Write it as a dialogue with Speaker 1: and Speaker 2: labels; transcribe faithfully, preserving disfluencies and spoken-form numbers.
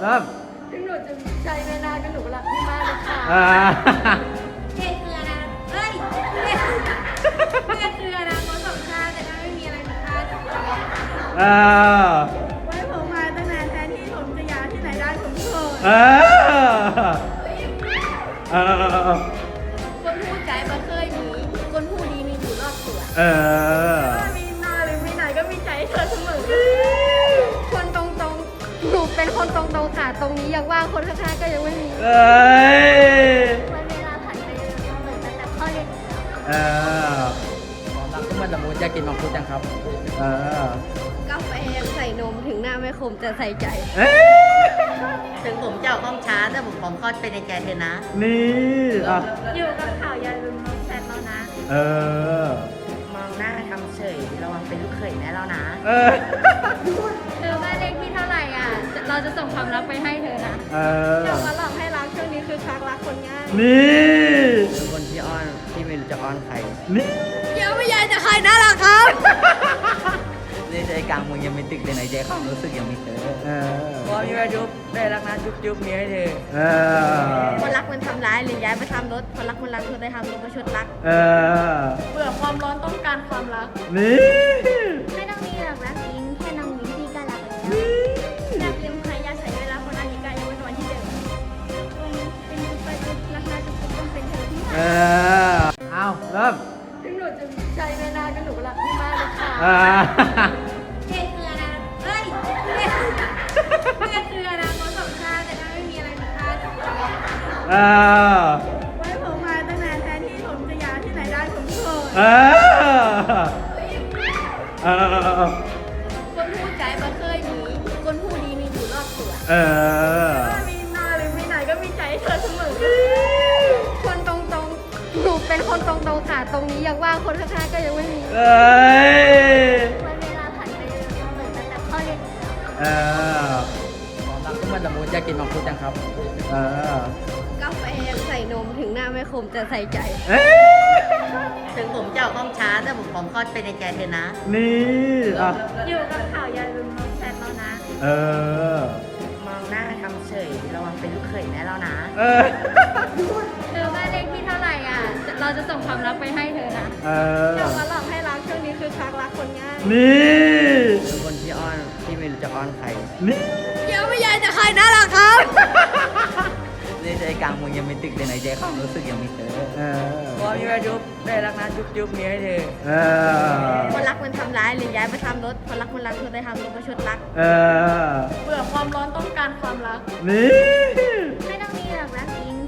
Speaker 1: เริ่ม
Speaker 2: ถึงหนูจะใจไม่นานก็หนูรักพี่มากเลยค่ะ
Speaker 1: อ่า
Speaker 2: เกเกลือนะเฮ้ยเกเกลือนะคนสองชาติแต่ก็ไม่มีอะไรผิดพลาด
Speaker 1: อ่า
Speaker 2: ไว้ผมมาตั้งนานแทนที่ผมจะย้ายที่ไหนได้ผมโสด
Speaker 1: เออเออ
Speaker 2: คนพูดใจมาเคยมีคนพูดดีมีอยู่รอบตัว
Speaker 1: เออ
Speaker 2: มีหน้าหรือไม่ไหนก็มีใจให้เธอเสมอคนตรงๆหนูเป็นคนตรงๆค่ะตรงนี้ยังว่างคนข้างๆก็ยังไม่มี
Speaker 1: เอ้ย
Speaker 2: วันเวลาผ่านไปเร็วเหมือนตั้งแต่พ่อเรียน
Speaker 1: เออ
Speaker 3: ความรักที่มันละมุนอยากกินมังคุดจังครับ
Speaker 1: เออ
Speaker 2: กาแฟยังใส่นมถึงหน้าไม่คมจะใส่ใจ
Speaker 1: เอ้ย
Speaker 4: ถึงผมจะออกห้องช้าแต่ผมพร้อมคลอดไปในใจเธอนะ
Speaker 1: นี่อ่ะ
Speaker 2: อยู่กับข่าวอย่าลืมน้องแซนแล้วนะ
Speaker 1: เออ
Speaker 4: มองหน้าทำเฉยระวังเป็นลูกเขยแม่แล้วนะ
Speaker 1: เออ
Speaker 2: เธอบ้านเลขที่เท่าไหร่อ่ะ เราจะส่งความรักไปให้เธอนะ
Speaker 1: เออ
Speaker 2: เดี๋ยวมาหลอกให้รักช่วงนี้คือชักรักคนง่าย
Speaker 1: นี่
Speaker 3: เป็นคนที่อ้อนที่ไม่รู้จะอ้อนใคร
Speaker 1: นี่
Speaker 2: เดี๋ยวไม่ยายจะใครน่ารักครับ
Speaker 3: ในใจกลางเมึงยังมีตึกแต่ในใจความรู้สึกยังมีเธอ
Speaker 1: เออ
Speaker 3: พอมีแม่จุ๊บได้รักนะจุ๊บจุ๊บมีให้เธอ
Speaker 1: เออ
Speaker 2: คนรักมันทำร้ายหรือย้ายไปทำรถ คนรักมันรักเธอได้ทำรถมาชดรัก
Speaker 1: เออ
Speaker 2: เบื่อความร้อนต้องการความรัก
Speaker 1: นี่
Speaker 2: ไม่ต้องมีหรอกรักจริงแค่น้องยิ้มพี่ก็รักแล้วอยากลืมใครอยากใส่เวลาคนนั้นอีกก็ยังไม่นอนที่เดิมวันนี้เป็นจุดไปจุดรักนะจุดต้องเป็นเธอที่
Speaker 1: เอ
Speaker 2: หา
Speaker 1: อ เอาเริ่ม
Speaker 2: ถึงหนูจะใจไม่นานก็หนูรักพี่มากเลยค่ะ
Speaker 1: อ่า
Speaker 2: เกเกลือนะเฮ้ยเกเกลือนะคนสองชาติแต่ก็ไม่มีอะไรผิดพลาด
Speaker 1: เออ
Speaker 2: ไว้ผมมาตั้งนานแทนที่ผมจะย้ายที่ไหนได้ผมโสด
Speaker 1: เออ เออ
Speaker 2: คนพูดใจมาเคยมีคนพูดดีมีอยู่รอบตัว
Speaker 1: เออ
Speaker 2: มีหน้าหรือไม่ไหนก็มีใจให้เธอเสมอคนตรงๆหนูเป็นคนตรงๆค่ะตรงนี้ยังว่างคนข้างๆก็ยังไม่มี
Speaker 1: เอ้ย
Speaker 2: วันเวลาผ่านไปเร็วเหมือนตั้งแต่พ่อเรียน
Speaker 1: เออ
Speaker 3: ความรักที่มันละมุนอยากกินมังคุดจังครับ
Speaker 1: เออ
Speaker 2: กาแฟยังใส่นมถึงหน้าไม่คมจะใส่ใจ
Speaker 1: เอ้ย
Speaker 4: ถึงผมจะออกห้องช้าแต่ผมพร้อมคลอดไปในใจเธอนะ
Speaker 1: นี่อ่ะ
Speaker 2: อยู่กับข่าวอย่าลืมน้องแซนแล้วนะ
Speaker 1: เออ
Speaker 4: มองหน้าทำเฉยระวังเป็นลูกเขยแม่แล้วนะ
Speaker 1: เออ
Speaker 2: เธอบ้านเลขที่เท่าไหร่อ่ะ เราจะส่งความรักไปให้เธอนะ
Speaker 1: เอ
Speaker 2: เดี๋ยว
Speaker 1: อ
Speaker 2: มาหลอกให้รักช่วงนี้คือชักรักคนง่าย
Speaker 1: นี่
Speaker 3: เป็นคนที่อ้อนที่ไม่รู้จะอ้อนใคร
Speaker 1: นี่
Speaker 2: เดี๋ยวไม่ยายจะใครน่ารักครับ
Speaker 3: ในใจกลางเมึงยังมีตึกแต่ในใจความรู้สึกยังมีเธอ
Speaker 1: เออ
Speaker 3: พอมีแม่จุ๊บได้รักนะจุ๊บจุ๊บมีให้เธอ
Speaker 1: เออ
Speaker 2: คนรักมันทำร้ายหรือย้ายไปทำรถ คนรักมันรักเธอได้ทำรถมาชดรัก
Speaker 1: เออ
Speaker 2: เบื่อความร้อนต้องการความรัก
Speaker 1: นี่
Speaker 2: ไม่ต้องมีหรอกรักจริง